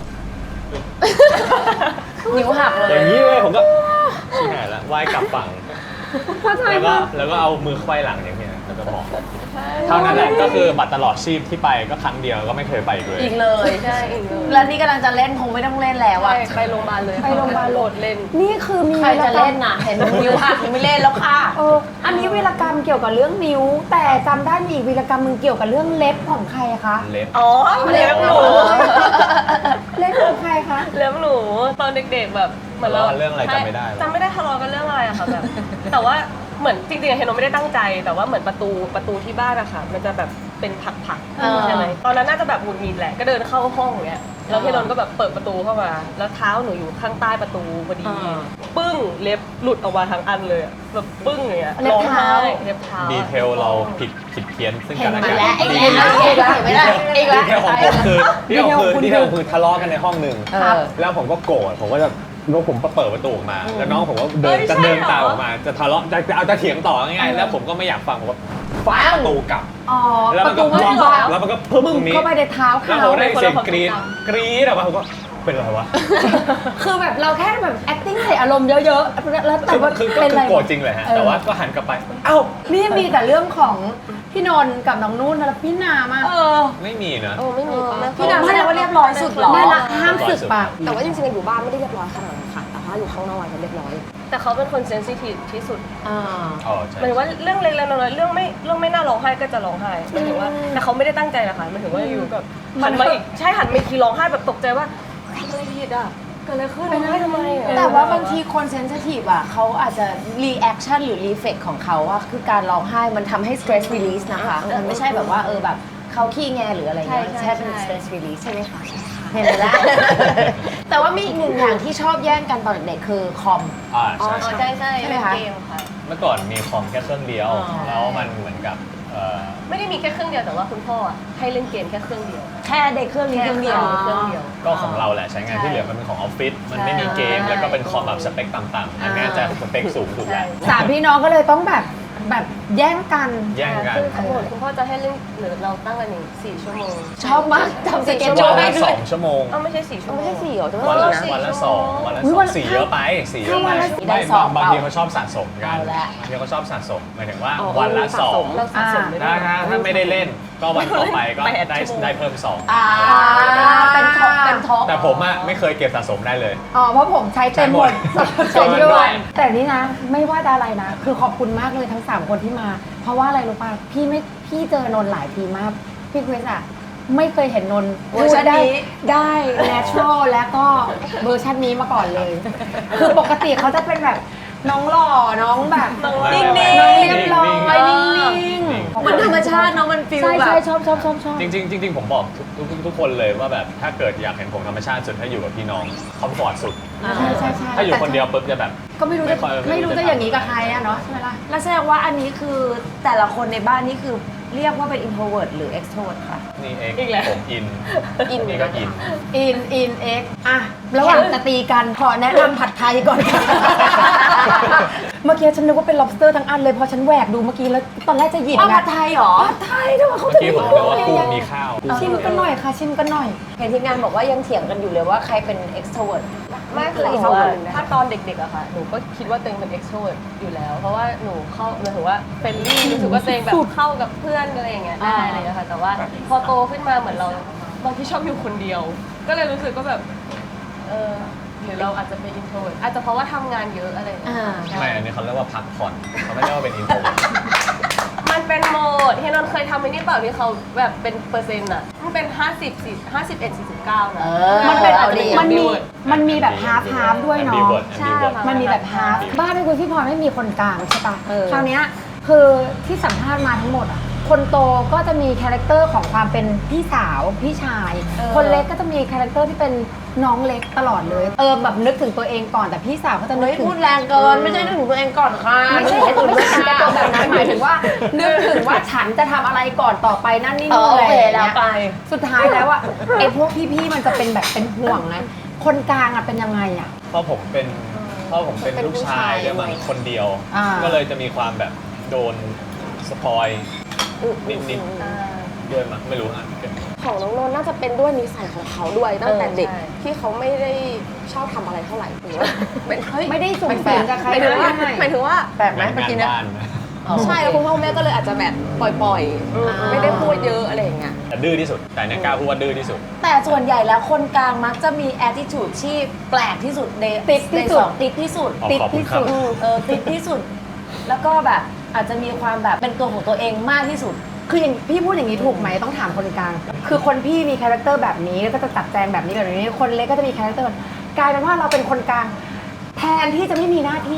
[SPEAKER 2] นิ้วหักเล
[SPEAKER 3] อย ย่างนี้เลยผมก็ชิบหายละว่ายกลับฝั่ง
[SPEAKER 1] เข้าใจ
[SPEAKER 3] แล้วก็
[SPEAKER 1] ปะ
[SPEAKER 3] แล้วก็เอามือไขว้หลังอย่างเงี้ยแล้วก็บอกเท่านั้นแหละก็คือบัตรตลอดชีพที่ไปก็ครั้งเดียวก็ไม่เคยไปอีกเลย
[SPEAKER 2] อีกเลย
[SPEAKER 4] ใช่อีกเลย
[SPEAKER 2] แล้วนี่กำลังจะเล่นคงไม่ต้องเล่นแล้ว
[SPEAKER 4] ไป
[SPEAKER 2] อะ
[SPEAKER 4] ไปโรงพยาบาลเลย
[SPEAKER 1] ไปโรงพยาบาล
[SPEAKER 4] โหลดเล่น
[SPEAKER 1] นี่คือมี
[SPEAKER 2] ใครจะเล่นน่ะ เห็นนิ้วหักยังไม่เล่นแล้วค่ะ
[SPEAKER 1] เอออันนี้วีรกรรมเกี่ยวกับเรื่องนิ้ว แต่จำได้มีอีกวีรกรรมมึงเกี่ยวกับเรื่องเล็บของใครคะ
[SPEAKER 3] เล็บ
[SPEAKER 4] อ๋อเล็บหนู
[SPEAKER 1] เล็บของใครคะ
[SPEAKER 4] เล็บหนูตอนเด็กๆแบบเหมือนเรา
[SPEAKER 3] ทะเลาะกันเรื่องอะไรจำไม่ได้หรอ
[SPEAKER 4] จำไม่ได้ทะเลาะกันเรื่องอะไรอะค่ะแบบ แต่ว่าเหมือนจริงๆเฮโนไม่ได้ตั้งใจ แต่ว่าเหมือนประตูประตูที่บ้านอะค่ะมันจะแบบเป็นผัก
[SPEAKER 2] เออ
[SPEAKER 4] ๆใช่ไหมตอนนั้นน่าจะแบบหงุดหงิดแหละก็เดินเข้าห้องอย่างเงี้ยแล้วเฮโนก็แบบเปิดประตูเข้ามา แล้วเท้าหนูอยู่ข้างใต้ประตูพอดี ปึ้งเล็บหลุดออกมาทั้งอันเลยอะแบบปึ้งอย่างเงี้ย
[SPEAKER 1] เล็บเท้า
[SPEAKER 4] ร้องไห้เล็บเท้า
[SPEAKER 3] ดีเทลเราผิดผิดเพี้ยนซึ่ง
[SPEAKER 2] เห็
[SPEAKER 3] กัน นและ
[SPEAKER 2] มา
[SPEAKER 3] กัน
[SPEAKER 2] แล้วไอ้
[SPEAKER 3] ดี
[SPEAKER 2] เห็นแล้วเห็นแล้วเห็นไหมล่ะอีกแล้ว
[SPEAKER 3] ดีเทลของผมคือดีเทลคือดีเทลคือทะเลาะกันในห้องหนึ่ง
[SPEAKER 2] ครับ
[SPEAKER 3] แล้วผมก็โกรธผมก็จะแล้วผมก็เปิดประตูออกมา แล้วน้องผมก็เดินจะเดินตามออกมาจะทะเลาะจะจะเอาจะเถียงต่อง่ายๆแล้วผมก็ไม่อยากฟังผมก็ฟาดประตูกลับ
[SPEAKER 1] อ๋อ
[SPEAKER 3] แล้ว
[SPEAKER 1] ป
[SPEAKER 3] มัน
[SPEAKER 1] ระ
[SPEAKER 3] ก็
[SPEAKER 1] ตูไม่
[SPEAKER 3] ล็อก
[SPEAKER 1] ล็อก
[SPEAKER 3] แล้วมันก็พึ่ง
[SPEAKER 1] มึ
[SPEAKER 3] ต
[SPEAKER 1] ง
[SPEAKER 3] รงนี้
[SPEAKER 1] เข้าไปในเท้า
[SPEAKER 3] แล้ว
[SPEAKER 1] เขา
[SPEAKER 3] ผมได้เสียงกรี๊ดกรี๊ดออกมาผมก็เป็นไรวะ
[SPEAKER 1] คือแบบเราแค่แบบ acting ใส่อารมณ์เยอะๆแล้วแต่
[SPEAKER 3] คือ
[SPEAKER 1] ว่า
[SPEAKER 3] คือก็
[SPEAKER 1] เป็น
[SPEAKER 3] คื
[SPEAKER 1] อะไร
[SPEAKER 3] อโกรธจริงเลยฮะ
[SPEAKER 1] เออ
[SPEAKER 3] แต่ว่าก็หันกลับไปเอ้า
[SPEAKER 1] นี่มีแต่เรื่องของพี่นนท์กับน้องนุ่นแล้วพี่นามาก
[SPEAKER 2] เออ
[SPEAKER 3] ไม่มีนะ
[SPEAKER 5] โอ้ไม่มีป้า
[SPEAKER 2] พี่นางแสดงว่าเรียบร้อยสุดเหรอ
[SPEAKER 1] ไม่ละห้ามสึกปาก
[SPEAKER 5] แต่ว่าจริงๆอยู่บ้านไม่ได้เรียบร้อยขนาดนั้นค่ะ แต่ว่าอยู่ข้างนอกจะเรียบร้อย
[SPEAKER 4] แต่เขาเป็นคนเซนซิทีฟที่สุด
[SPEAKER 2] อ่า
[SPEAKER 3] อ๋อใช่
[SPEAKER 4] หมายถึงว่าเรื่องเล็กๆน้อยๆเรื่องไม่เรื่องไม่น่าร้องไห้ก็จะร้องไห้หมายถึงว่าแต่เขาไม่ได้ตั้งใจนะคะหมายถึงว่าอยู่กับหันมาอีกใช่หันมาอีกทีร้องไห้แบบตกใจว่าทำอะไรผิดอ่ะเกิดอะไรขึ้นร้องไห้ทำไมอะ
[SPEAKER 2] แต่ว่าบางทีคนเซนซิทีฟอ่ะเขาอาจจะรีแอคชั่นหรือรีเฟกของเขาอะคือการร้องไห้มันทำให้ stress release นะคะ มันไม่ใช่แบบว่าเออแบบเขาขี้แงหรืออะไรเงี้ยมันแค่เป็น stress release ใช่ไหมคะเห็นไหมล่ะ แต่ว่ามีอีกหนึ่งอย่างที่ชอบแย่งกันตอนเด็กๆคือคอม
[SPEAKER 3] อ่า
[SPEAKER 4] อ๋อ
[SPEAKER 3] ใช่
[SPEAKER 4] ใช่ใช่
[SPEAKER 2] ใช่ไหม
[SPEAKER 4] เล่น
[SPEAKER 2] คะ
[SPEAKER 4] เกมค่ะ
[SPEAKER 3] เมื่อก่อนมีคอมแค่เครื่องเดียว
[SPEAKER 2] อ๋อ
[SPEAKER 3] แล้วมันเหมือนกับเอ่อ
[SPEAKER 4] ไม่ได้มีแค่เครื่องเดียวแต่ว่าคุณพ่ออะให้เล่นเกมแค่เครื่องเดียว
[SPEAKER 2] แค่เด็กเครื่องนี้เครื่องเดียว
[SPEAKER 4] เครื่องเดียว
[SPEAKER 3] ก็ของเราแหละใช้งานที่เหลือมันเป็นของออฟฟิศมันไม่มีเกม
[SPEAKER 4] ใช่
[SPEAKER 3] แล้วก็เป็นคอมแบบสเปคต่ำๆอันเนี้ยจะสเปคสูงถูกแล้ว
[SPEAKER 1] สามพี่น้องก็เลยต้องแบบแบบแย่งกัน
[SPEAKER 3] แย่งกัน
[SPEAKER 4] คือขบวนคุณพ่อจะให้เล่นหรือเราตั้งกันหนึ่งสี่ชั่วโมง
[SPEAKER 2] ชอบมากทำสเก็ต
[SPEAKER 3] วั
[SPEAKER 2] โจ้
[SPEAKER 3] น
[SPEAKER 2] ได้
[SPEAKER 3] ละ
[SPEAKER 2] ด้
[SPEAKER 3] ส
[SPEAKER 2] วย
[SPEAKER 3] องชั่วโมง
[SPEAKER 4] เอ้าไม่ใช่สี่ชั่วโมง
[SPEAKER 5] ไม่ใช่สี่เหรอจะ
[SPEAKER 3] วัน
[SPEAKER 5] ว่า
[SPEAKER 3] ละ
[SPEAKER 5] สี่นะ
[SPEAKER 3] วันละสองวันละ
[SPEAKER 1] อุ๊
[SPEAKER 3] ส
[SPEAKER 1] ย
[SPEAKER 3] อ
[SPEAKER 1] วั
[SPEAKER 3] ง
[SPEAKER 1] นละ
[SPEAKER 3] สี่เยอะไปสี่เยอะไป
[SPEAKER 2] ได้
[SPEAKER 3] ไม่
[SPEAKER 2] สอง
[SPEAKER 3] บาง
[SPEAKER 2] เปล่า
[SPEAKER 3] ทีเขาชอบสะสมกัน
[SPEAKER 2] เอาละ
[SPEAKER 3] บางทีเขาชอบสะสมหมายถึงว่า
[SPEAKER 5] อ๋อ
[SPEAKER 3] วันละ
[SPEAKER 5] เออ
[SPEAKER 3] สอง
[SPEAKER 5] สะสม
[SPEAKER 4] เราสะสมไม่
[SPEAKER 3] ถ้า
[SPEAKER 4] ได้
[SPEAKER 3] ถ้าถ้าไม่ได้เล่นก็วันต่อไปก็
[SPEAKER 4] แปด
[SPEAKER 3] ได้
[SPEAKER 4] ชั่วโมง
[SPEAKER 3] ได้เพิ่มสอง
[SPEAKER 2] อ่าเป็นท็อปเป็นท็อป
[SPEAKER 3] แต่ผมอะไม่เคยเก็บสะสมได้เลย
[SPEAKER 1] อ๋อเพราะผมใช้เต็มหมด
[SPEAKER 3] ใช้หมด
[SPEAKER 1] ใช้ด้วยแต่นี่นะไม่ว่าจะอะไรนะ คือขอบคุณมากเลยทั้งสามคนที่มา เพราะว่าอะไรรู้ป่ะพี่ไม่พี่เจอนนท์หลายทีมากพี่คริสอะไม่เคยเห็นนนท์
[SPEAKER 2] เวอร์ชันนี้
[SPEAKER 1] ได้ natural แล้วก็เวอร์ชันนี้มาก่อนเลย คือปกติเขาจะเป็นแบบน้องหล่อน้องแบบ
[SPEAKER 2] นิ่งๆ
[SPEAKER 1] น้องเรียบร้อยนิ่งๆ
[SPEAKER 2] มันธรรมชาติเนาะมันฟิล
[SPEAKER 1] ใช่
[SPEAKER 2] แบ
[SPEAKER 1] ใช่
[SPEAKER 2] บ
[SPEAKER 1] ชอบชอบชอบชอบ
[SPEAKER 3] จริงๆจริงๆผมบอกทุกทุกทุกคนเลยว่าแบบถ้าเกิดอยากเห็นผมธรรมชาติสุดถ้าอยู่กับพี่น้องคอมฟอร์ตสุด
[SPEAKER 1] ใช่ใช่ใช่
[SPEAKER 3] ถ้าอยู่คนเดียวปุ๊บจะแบบ
[SPEAKER 1] ก็ไม่รู้จะ
[SPEAKER 3] ไม่ค่อย
[SPEAKER 1] ไม่รู้จะอย่างนี้กับใครอะเนาะใช่ไหมล่ะ
[SPEAKER 2] แล้วแสดงว่าอันนี้คือแต่ละคนในบ้านนี่คือเรียกว่าเป็น introvert หรือ extrovert ค่ะ
[SPEAKER 3] นี่เอง
[SPEAKER 4] อีกแล้ว
[SPEAKER 3] ผมอิน
[SPEAKER 5] อิน
[SPEAKER 3] นี่ก็อิน
[SPEAKER 1] อินอินเอ็กอะระหว่างจะตีกันขอแนะนำผัดไทยก่อนค่ะ เมื่อกี้ฉันนึกว่าเป็น lobster ทั้งอันเลยพอฉันแหวกดูเมื่อกี้แล้วตอนแรกจะหยิบ
[SPEAKER 2] อ้าว
[SPEAKER 1] ไง
[SPEAKER 2] ผัดไทยเหรอ
[SPEAKER 1] ผัดไทยด้วยเขา
[SPEAKER 3] เมื่อ
[SPEAKER 1] จะ
[SPEAKER 3] กี้ผมนึกว่ากุ้งมีข้าว
[SPEAKER 1] ชิมกันหน่อยค่ะ ชิมกันหน่อย
[SPEAKER 2] เห็นทีมงานบอกว่ายังเถียงกันอยู่เลยว่าใครเป็น extrovert
[SPEAKER 4] ไม่คือ
[SPEAKER 5] เหลืออีก
[SPEAKER 4] เพราะว่า
[SPEAKER 5] สองคนนะ
[SPEAKER 4] ถ้าตอนเด็กๆอะค่ะ หนูก็คิดว่าตัวเองเป็น extrovert อยู่แล้ว เพราะว่าหนูเข้าหมายถึงว่าเฟรนลี่รู้สึกว่าตัวเองแบบเข้ากับเพื่อนอะไรอย่างเงี้ยได้อะไรอย่างเงี้ยค่ะ แต่ว่าพอโตขึ้นมาเหมือนเราบางทีชอบอยู่คนเดียว ก็เลยรู้สึกว่าแบบเออหรือเราอาจจะเป็น introvert อาจจะเพราะว่าทำงานเยอะอะไรอย่างเงี้ย
[SPEAKER 2] อ่า
[SPEAKER 4] ใช่
[SPEAKER 3] ไม่อันนี้เขาเรียกว่าพักผ่อนเขาไม่เรียกว่าเป็นอินโทร
[SPEAKER 4] มันเป็นโหมดเฮนนท์เคยทำไอ้นี่เปล่าที่เขาแบบเป็นเปอร์เซ็นต์อะมันเป็น ห้าสิบ 40 ห้าสิบเอ็ด สี่สิบเก้า นะ
[SPEAKER 2] เออ
[SPEAKER 1] มันเป็น
[SPEAKER 2] เอาดิ
[SPEAKER 1] มันมีมันมีแบบ half half ด้วยเนาะ
[SPEAKER 4] ใช่ค่ะ
[SPEAKER 1] มันมีแบบ half บ้านเป็นคุณพี่พลอยไม่มีคนกลางใช่ปะ
[SPEAKER 2] เออ
[SPEAKER 1] คราวเนี้ยคือที่สัมภาษณ์มาทั้งหมดอ่ะ คนโตก็จะมีคาแรคเตอร์ของความเป็นพี่สาวพี่ชาย
[SPEAKER 2] เออ
[SPEAKER 1] คนเล็กก็จะมีคาแรคเตอร์ที่เป็นน้องเล็กตลอดเลย เออแบบนึกถึงตัวเองก่อนแต่พี่สาวก็จะนึ
[SPEAKER 2] เฮ้
[SPEAKER 1] ก
[SPEAKER 2] ย
[SPEAKER 1] ถึง
[SPEAKER 2] พูดแรงเกิน ไม่ใช่นึกถึงตัวเองก่อนค่ะ
[SPEAKER 1] ไม่ใช่ไม่ใช่การตัวแบบนั้นหมายถึงว่า นึกถึงว่าฉันจะทำอะไรก่อนต่อไปนั่นนี่
[SPEAKER 2] เอ
[SPEAKER 1] นู่
[SPEAKER 2] อน โอ
[SPEAKER 1] อะไร
[SPEAKER 2] เค
[SPEAKER 1] อย่าง
[SPEAKER 2] แล้ว
[SPEAKER 1] เงี้ย
[SPEAKER 2] ไป
[SPEAKER 1] สุดท้ายแล้วอะไอ้พวกพี่ๆมันจะเป็นแบบเป็นห่วงนะคนกลางอะเป็นยังไงอะ
[SPEAKER 3] เพราะผมเป็นเพราะผมเป็น
[SPEAKER 5] เป็น
[SPEAKER 3] ลูก
[SPEAKER 5] ผู้
[SPEAKER 3] ชาย
[SPEAKER 5] ชาย
[SPEAKER 3] ด้วยมั้ง
[SPEAKER 5] ด้วย
[SPEAKER 3] คนเดียว
[SPEAKER 1] อ่า
[SPEAKER 3] ก็เลยจะมีความแบบโดนสปอยนิดๆด้วยมั้งไม่รู้ฮะ
[SPEAKER 5] ของน้องนนท์น่าจะเป็นด้วยนิสัยของเขาด้วยตั้งแต่เด็ก
[SPEAKER 4] ใช่
[SPEAKER 5] ที่เขาไม่ได้ชอบทำอะไรเท่าไหร่หรือว่าเป็นเฮ้ย
[SPEAKER 1] ไม่ได้ส่ง
[SPEAKER 5] แป
[SPEAKER 1] เส
[SPEAKER 5] ล
[SPEAKER 1] ริ
[SPEAKER 5] ก
[SPEAKER 1] มกับใคร
[SPEAKER 5] หมายถึงว่า
[SPEAKER 1] ได้
[SPEAKER 5] หมายถึงว่าแปลกไหม
[SPEAKER 3] งาน
[SPEAKER 5] เมื่อกี้เนี่ย
[SPEAKER 3] บ้านนะ
[SPEAKER 5] ใช่แล้วคุณพ่อคุณแม่ก็เลยอาจจะแบบปล่อยๆ ไม่ได้พูดเยอะอะไรอย่างเงี้ย
[SPEAKER 3] แต่ดื้อที่สุด แต่เนี่ยกล้าพูดว่าดื้อที่สุด
[SPEAKER 2] แต่ส่วนใหญ่แล้วคนกลางมักจะมี attitude ที่แปลกที่สุดใน
[SPEAKER 1] ติดที่สุด
[SPEAKER 2] ในองติดที่สุด
[SPEAKER 3] อ๋อ
[SPEAKER 1] ติด
[SPEAKER 3] ขอบคุณ
[SPEAKER 1] ที่
[SPEAKER 3] ครับ
[SPEAKER 1] สุด
[SPEAKER 2] เออติดที่สุด แล้วก็แบบอาจจะมีความแบบเป็นตัวของตัวเองมากที่สุด
[SPEAKER 1] คืออย่างพี่พูดอย่างนี้ถูกไหมต้องถามคนกลาง คือคนพี่มีคาแรคเตอร์แบบนี้แล้วก็จะจัดแจงแบบนี้แบบนี้ คนเล็กก็จะมีคาแรคเตอร์กลายเป็นว่าเราเป็นคนกลาง แทนที่จะไม่มีหน้าที่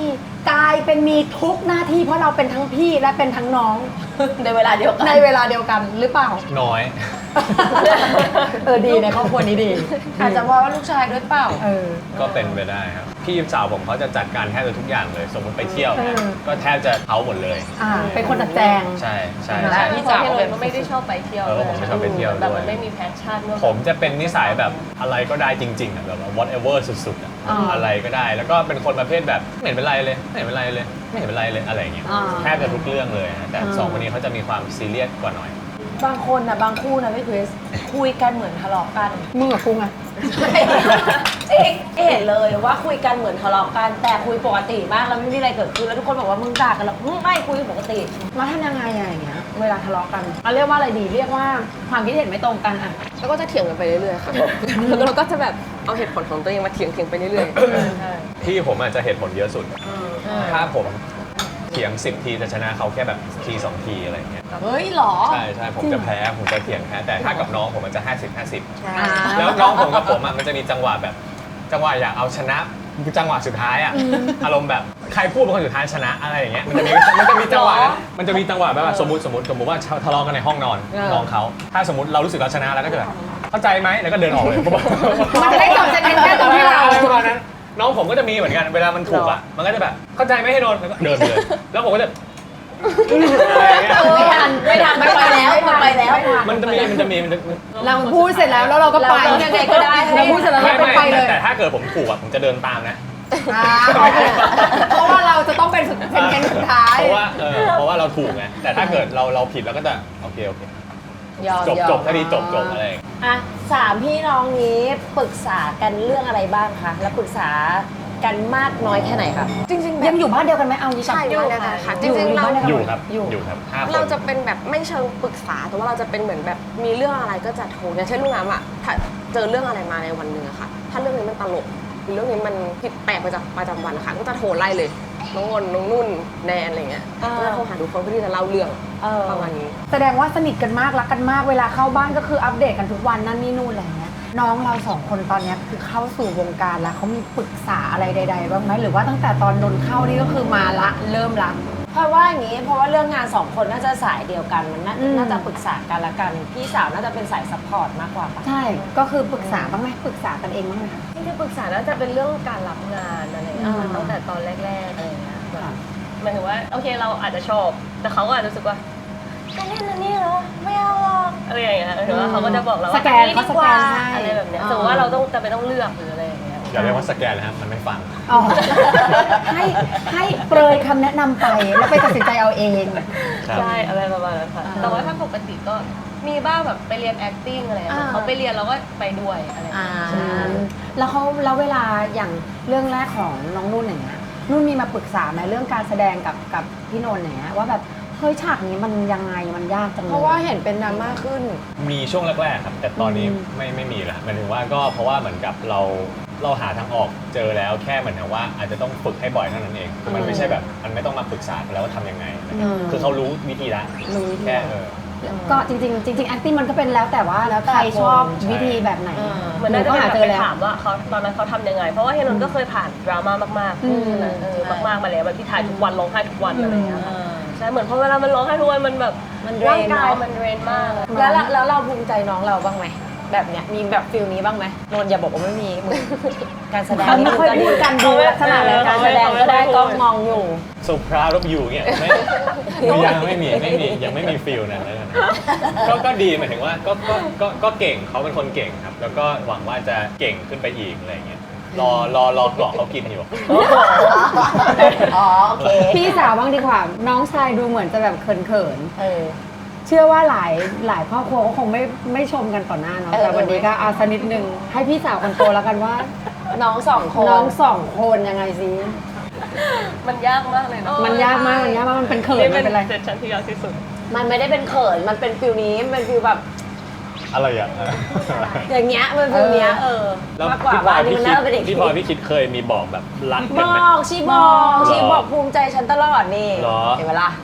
[SPEAKER 1] กลายเป็นมีทุกหน้าที่เพราะเราเป็นทั้งพี่และเป็นทั้งน้อง
[SPEAKER 5] ในเวลาเดียวกัน
[SPEAKER 1] ในเวลาเดียวกันหรือเปล่า
[SPEAKER 3] น้อย
[SPEAKER 1] เออดีในครอบครัวนี้ดี
[SPEAKER 2] อาจจะเพราะว่าลูกชายด้วยเปล่า
[SPEAKER 1] เออ
[SPEAKER 3] ก็เป็นไปได้ครับพี่สาวผมเขาจะจัดการแทบจะทุกอย่างเลย สมมติไปเที่ยวเนี่ย
[SPEAKER 1] เออ
[SPEAKER 3] ก็แทบจะเขาหมดเลย
[SPEAKER 1] อ่าเป็นคนจัดแจง
[SPEAKER 3] ใช่ใช่
[SPEAKER 4] แต่
[SPEAKER 3] ใช่
[SPEAKER 4] พี่จ๋าเป็นก็ไม่ได้ชอบไปเที่ยว
[SPEAKER 3] เออผมไม่ชอบไปเที่ยวด้วย
[SPEAKER 4] แบบมันไม่มีแพชชั่นด้วย
[SPEAKER 3] ผมจะเป็นนิสัยแบบอะไรก็ได้จริงๆอ่ะแบบว่า whatever สุดๆอ่ะ
[SPEAKER 1] อ่า
[SPEAKER 3] อะไรก็ได้ แล้วก็เป็นคนประเภทแบบไม่เห็นเป็นไรเลยไม่เห็นเป็นไรเลยไม่เห็นเป็นไรเลยอะไรอย่างเงี้ย
[SPEAKER 1] อ่า
[SPEAKER 3] แทบจะทุกเรื่องเลยนะแต่
[SPEAKER 1] อ่า
[SPEAKER 3] สองคนนี้เขาจะมีความซีเรียสกว่าหน่อย
[SPEAKER 2] บางคนนะบางคู่นะพี่คริสคุยกันเหมือนทะเลาะกัน
[SPEAKER 1] มึงกับกูไง
[SPEAKER 2] เอกเห็นเลยว่าคุยกันเหมือนทะเลาะกัน แต่คุยปกติมากแล้วไม่มีอะไรเกิดขึ้นแล้วทุกคนบอกว่ามึงด่ากันแล้วอืมไม่คุยปกติ
[SPEAKER 1] มาทำยังไงอะอย่างเงี้ยเวลาทะเลาะกันเราเรียกว่าอะไรดีเรียกว่าความคิดเห็นไม่ตรงกันอะ
[SPEAKER 5] แล้วก็จะเถียงกันไปเรื่อยๆค่ะ แล้วเราก็จะแบบเอาเหตุผลของตัวเองมาเถียงเถียงๆไปเรื่อย
[SPEAKER 3] พี่ผมอาจจะเหตุผลเยอะสุด ถ้าผมเถียงสิบทีจะชนะเขาแค่แบบทีสองทีอะไรอย่างเงี้ย
[SPEAKER 2] เฮ้ยหรอ
[SPEAKER 3] ใช่ใช่ผมจะแพ้ผมจะเถียงแพ้แต่ถ้ากับน้องผมมันจะห้าสิบห้าสิบ
[SPEAKER 1] อ่า
[SPEAKER 3] แล้วน้องผมกับผมอ่ะมันจะมีจังหวะแบบจังหวะอยากเอาชนะจังหวะสุดท้ายอ่ะอารมณ์แบบใครพูดเป็นคนสุดท้ายชนะอะไรอย่างเงี้ยมันจะมีมันจะมีจังหวะนั้นมันจะมีจังหวะแบบว่าสมมติสมมติสมมติว่าทะเลาะกันในห้องนอนน้องเขาถ้าสมมติเรารู้สึกเราชนะแล้วก็จะแบบเข้าใจไหมแล้วก็เดินออกเลย
[SPEAKER 1] มันจะได้จบจะได้แค่ตรงที่เรา
[SPEAKER 3] อะไรประมาณนั้นน้องผมก็จะมีเหมือนกันเวลามันถูกอ่ะมันก็จะแบบเข้าใจไหมให้โดนแล้วก็เดินไปเลยแล้วผมก็จะอะไรอย่างเงี้ย
[SPEAKER 1] ไม่ทันไม่ทันไม่ไปแล้วไม่ไปแล้ว
[SPEAKER 3] มันจะมีมันจะมีมันจะ
[SPEAKER 1] เราพูดเสร็จแล้วแล้วเราก็ไป
[SPEAKER 2] เรายังไงก็ได้ให้
[SPEAKER 1] เราพูดเสร็จแล้ว
[SPEAKER 3] ไม่
[SPEAKER 1] เราก็
[SPEAKER 3] ไม่
[SPEAKER 1] ไปเลย
[SPEAKER 3] แต่ถ้าเกิดผมถูกอ่ะผมจะเดินตามนะ
[SPEAKER 1] อ่าโอเคเพราะว่าเราจะต้องเป็นสุดเป็นเกมสุดท้าย
[SPEAKER 3] เพราะว่าเออเพราะว่าเราถูกไงแต่ถ้าเกิดเราเราผิดเราก็จะโอเคโอเค
[SPEAKER 2] ยอม
[SPEAKER 3] จบ
[SPEAKER 2] ยอม
[SPEAKER 3] จบคดีจบจบอะไรอย่างเงี้ย
[SPEAKER 2] อ่ะสามพี่น้องนี้ปรึกษากันเรื่องอะไรบ้างคะแล้วปรึกษากันมากน้อยแค่ไหนคะ
[SPEAKER 5] ๆ จริงๆแบ
[SPEAKER 1] ยั
[SPEAKER 5] บ
[SPEAKER 1] งอยู่บ้านเดียวกันไหมเอาดีกว่า
[SPEAKER 5] ใช่อยู่นะคะค่ะจริงๆเรา
[SPEAKER 3] อยู่ครับ
[SPEAKER 1] อยู่
[SPEAKER 3] อยู่ครับห้าคน
[SPEAKER 5] เราจะเป็นแบบไม่เชิงปรึกษาแต่ว่าเราจะเป็นเหมือนแบบมีเรื่องอะไรก็จะโทรอย่างเช่นลูกน้ำอ่ะถ้าเจอเรื่องอะไรมาในวันหนึ่งอะค่ะ ถ้าเรื่องนี้มันตลกหรือเรื่องนี้มันผิดแปลกไปจากประจำวันนะคะก็จะโทรไล่เลยน้องงนน้องนุ่นแนนอะไรเงี้ย
[SPEAKER 2] อ่า
[SPEAKER 5] ก็จะโทรหาทุกคนเพื่อที่จะเล่าเรื่อง
[SPEAKER 2] เออ
[SPEAKER 5] ประมาณนี้
[SPEAKER 1] แสดงว่าสนิทกันมากรักกันมากเวลาเข้าบ้านก็คืออัปเดตกันทุกวันนั่นนี่นู่นอะไรเงี้ยน้องเราสองคนตอนเนี้ยคือเข้าสู่วงการแล้วเขามีปรึกษาอะไรใดๆบ้างไหมหรือว่าตั้งแต่ตอนนนเข้านี่ก็คือมาละเริ่มละ
[SPEAKER 2] เพราะว่าอย่างนี้เพราะว่าเรื่องงานสองคนน่าจะสายเดียวกันมันน่า
[SPEAKER 1] อืม
[SPEAKER 2] น่าจะปรึกษากันละกันพี่สาวน่าจะเป็นสายซัพพอร์ตมากกว่าปะ
[SPEAKER 1] ใช่ก็คือปรึกษาบ้างไหมปรึกษากันเองบ้างไหมคะ
[SPEAKER 4] ที่ที่ปรึกษาน่าจะเป็นเรื่องการรับงานอะไรอย่างเงี้ย
[SPEAKER 1] อ่า
[SPEAKER 4] ตั้งแต่ตอนแรกๆอะไรอย่างเงี้ยแบบหมายถึงว่าโอเคเราอาจจะชอบ แต่เขาก็อาจจะรู้สึกว่าจะเล่นอันนี้เหรอไม่เอาหรอกอะไรอย่างเงี้ยหมายถึงว่าเขาก็จะบอกเราว่า
[SPEAKER 1] สแกน
[SPEAKER 4] อั
[SPEAKER 1] เขาสแกนให้
[SPEAKER 4] อะไรแบบเนี้ย
[SPEAKER 1] อ่า
[SPEAKER 4] สมมติว่าเราต้องจะไปต้องเลือกหรืออะไรอย่างเงี้ย
[SPEAKER 3] อย่าเรียกว่าสแกนนะครับมันไม่ฟัง
[SPEAKER 1] อ๋อให้ให้เปรยคำแนะนำไปแล้วไปตัดสินใจเอาเอง
[SPEAKER 3] ครับ
[SPEAKER 4] ใช่อะไรประมาณนั้นค่ะ
[SPEAKER 1] อ่า
[SPEAKER 4] แต่ว่าถ้าปกติก็มีบ้างแบบไปเรียน acting อะไรอย่างเงี้ย
[SPEAKER 1] อ่า
[SPEAKER 4] เขาไปเรียนเราก็ไปด้วยอะไรอย่าง
[SPEAKER 1] อ่า
[SPEAKER 4] เงี้ยใช่
[SPEAKER 1] แล้วเขาแล้วเวลาอย่างเรื่องแรกของน้องนุ่นอย่างเงี้ยนุ่นมีมาปรึกษาไหมเรื่องการแสดงกับกับพี่นนท์อย่างเงี้ยว่าแบบเฮ้ยฉากนี้มันยังไงมันยากจังเลย
[SPEAKER 5] เพราะว่าเห็นเป็นดราม่าขึ้น
[SPEAKER 3] มีช่วงแรกๆครับแต่ตอนนี้
[SPEAKER 1] อืม
[SPEAKER 3] ไม่ไม่มีแล้วหมายถึงว่าก็เพราะว่าเหมือนกับเราเราหาทางออกเจอแล้วแค่เหมือนกับว่าอาจจะต้องฝึกให้บ่อยเท่านั้นเองคือมันไม่ใช่แบบมันไม่ต้องมาปรึกษากันแล้วว่าทำยังไงอะไรเงี้ยคือเขารู้วิธีละ
[SPEAKER 1] รู้วิธี
[SPEAKER 3] แค่เออ
[SPEAKER 1] ก็จริงๆจริงๆ acting มันก็เป็นแล้วแต่ว่าแล้วใครชอบ
[SPEAKER 3] ใช่
[SPEAKER 1] วิธีแบบไหน
[SPEAKER 4] เหมือน
[SPEAKER 1] หนู
[SPEAKER 4] น่าจะ
[SPEAKER 1] ก็
[SPEAKER 4] เป็น
[SPEAKER 1] หา
[SPEAKER 4] แบบ
[SPEAKER 1] เจ
[SPEAKER 4] ไป
[SPEAKER 1] อแล้ว
[SPEAKER 4] ถามว่าเขาตอนนั้นเขาทำยังไง เพราะว่าเฮนนท์ก็เคยผ่านดราม่ามาก
[SPEAKER 1] อืม
[SPEAKER 4] ๆใช่ไหมเออ
[SPEAKER 2] ใช่
[SPEAKER 4] มากๆมาแล้วแบบที่ถ่ายทุกวันร้องไห้ทุกวันอะไรอย่างเงี้ย
[SPEAKER 2] เออ
[SPEAKER 4] ใช่เหมือนพอเวลามันร้องไห้ทุกวันมันแบบ
[SPEAKER 2] มันเดรน
[SPEAKER 4] ร่างกาย
[SPEAKER 2] เนอะ
[SPEAKER 4] มันเดรนมาก
[SPEAKER 2] แล้วเราแล้วเราภูมิใจน้องเราบ้างไหมแบบเนี้ยมีแบบฟิลนี้บ้างไหมนนท์อย่าบอกว่าไม่มีมึงการแสดง
[SPEAKER 1] เขาไม่ค่อยพูดกันดูลักษณะเลย
[SPEAKER 2] การแสดงก็ได้ก็มองอยู่
[SPEAKER 3] so proud of you เนี่ยไม่ยังไม่มีไม่มียังไม่มีฟิลนั้นแล้วกันก็ก็ดีหมายถึงว่าก็ก็ก็ก็เก่งเขาเป็นคนเก่งครับ แล้วก็หวังว่าจะเก่งขึ้นไปอีกอะไรอย่างเงี้ยรอรอรอกรอกเขากินอยู่
[SPEAKER 2] อ๋อโอเค
[SPEAKER 1] พี่สาวบ้างดีกว่า น้องชายดูเหมือนจะแบบเขิน
[SPEAKER 2] เออ
[SPEAKER 1] ๆ เชื่อว่าหลายหลายครอบครัวก็คงไม่ไม่ชมกันต่อหน้าเนาะ
[SPEAKER 2] เออ
[SPEAKER 1] แต่วันนี้ก็เอาสักนิดนึงให้พี่สาวคนโตแล้วกันว่า
[SPEAKER 2] น้องสองคน
[SPEAKER 1] น้องสองคนยังไงสิ
[SPEAKER 4] มันยากมากเลยเนาะ
[SPEAKER 1] มันยากมากมันยากมากมันเป็นเขิน
[SPEAKER 4] นี่
[SPEAKER 1] มันเป็นอะไร
[SPEAKER 4] เซสชั่นที่ยากที่สุด
[SPEAKER 2] มันไม่ได้เป็นเขินมันเป็นฟิลนี้มันเป็นฟิลแบบ
[SPEAKER 3] อะไรอ่ะ
[SPEAKER 2] อย่างเงี้ยมันฟิลเนี้ยเออ
[SPEAKER 3] แล้ว
[SPEAKER 2] มากกว่า
[SPEAKER 3] พี่พล
[SPEAKER 2] ว่า
[SPEAKER 3] อย
[SPEAKER 2] นี่
[SPEAKER 3] พี่
[SPEAKER 2] มัน
[SPEAKER 3] คิด
[SPEAKER 2] น่าเป็นเด็ก
[SPEAKER 3] พี่พลอยพี่คิดเคยมีบอกแบบรัก
[SPEAKER 2] บ
[SPEAKER 3] กันไหม
[SPEAKER 2] อกชีบอก
[SPEAKER 3] หรอ
[SPEAKER 2] ชีบอกภูมิใจฉันตลอดนี่
[SPEAKER 3] หรอ
[SPEAKER 2] เห็นเวลา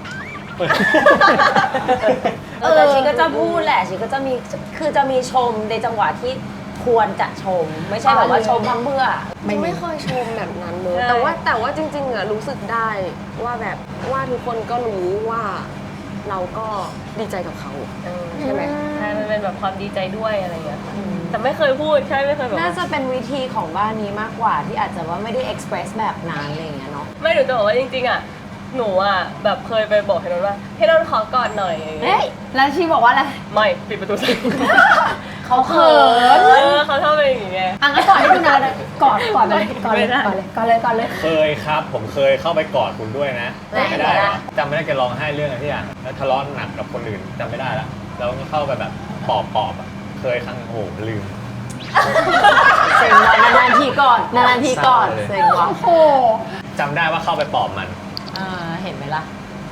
[SPEAKER 2] เออแต่ชีก็จะพูดแหละชีก็จะมีคือจะมีชมในจังหวะที่ควรจะชม ไม่ใช่แบบว่าชมพังเบื่อ
[SPEAKER 5] ไม่ไม่เคยชมแบบนั้นเลย แต่ว่าแต่ว่าจริงๆอะรู้สึกได้ว่าแบบว่าทุกคนก็รู้ว่าเราก็ดีใจกับเขา
[SPEAKER 4] เออ
[SPEAKER 5] ใช่ไหม
[SPEAKER 4] ใช่มันเป็นแบบความดีใจด้วยอะไรอย่างเงี้ยค่ะแต่ไม่เคยพูดใช่ไม่เคยแบบ
[SPEAKER 2] น่าจะเป็นวิธีของบ้านนี้มากกว่าที่อาจจะว่าไม่ได้ express แบบนั้นอะไรอย่างเงี้ยเนาะ
[SPEAKER 4] ไม่หนูจะบอกว่าจริงๆอ่ะหนูอ่ะแบบเคยไปบอกให้นนท์ว่าให้นนท์ขอกอดหน่อยอย่างเงี้
[SPEAKER 1] เฮ้
[SPEAKER 4] ย
[SPEAKER 1] ยแล้วชีบอกว่าอะไร
[SPEAKER 4] ไม่ปิดประตูใส่
[SPEAKER 1] เขาเขิน
[SPEAKER 4] เออเขาชอบเป็นอย่างเงี้ย
[SPEAKER 1] อ่ะงั้นก่อนให้ดูนะกอดกอดเลยกอดเลย
[SPEAKER 4] ไม่ได้
[SPEAKER 1] กอดเลยกอดเลยกอดเลย
[SPEAKER 3] เคยครับ ผมเคยเข้าไปกอดคุณด้วยนะ
[SPEAKER 2] ไม่
[SPEAKER 3] ไม่ได้เหรอจำไม่ได้แกร้องไห้เรื่องอะไรที่อย่างแล้วทะเลาะหนักกับคนอื่นจำไม่ได้ละแล้วก็เข้าไปแบบปอบปอบๆอะเคยครั้งโอ้โหลืม
[SPEAKER 2] เซ็งว่ะนานๆทีก่อนนานๆทีก่อน
[SPEAKER 3] เศร้าเลย
[SPEAKER 2] เซ็งว่ะ
[SPEAKER 1] โอ้โห
[SPEAKER 3] จำได้ว่าเข้าไปปอบมัน
[SPEAKER 2] อ่าเห็นไหมล่ะ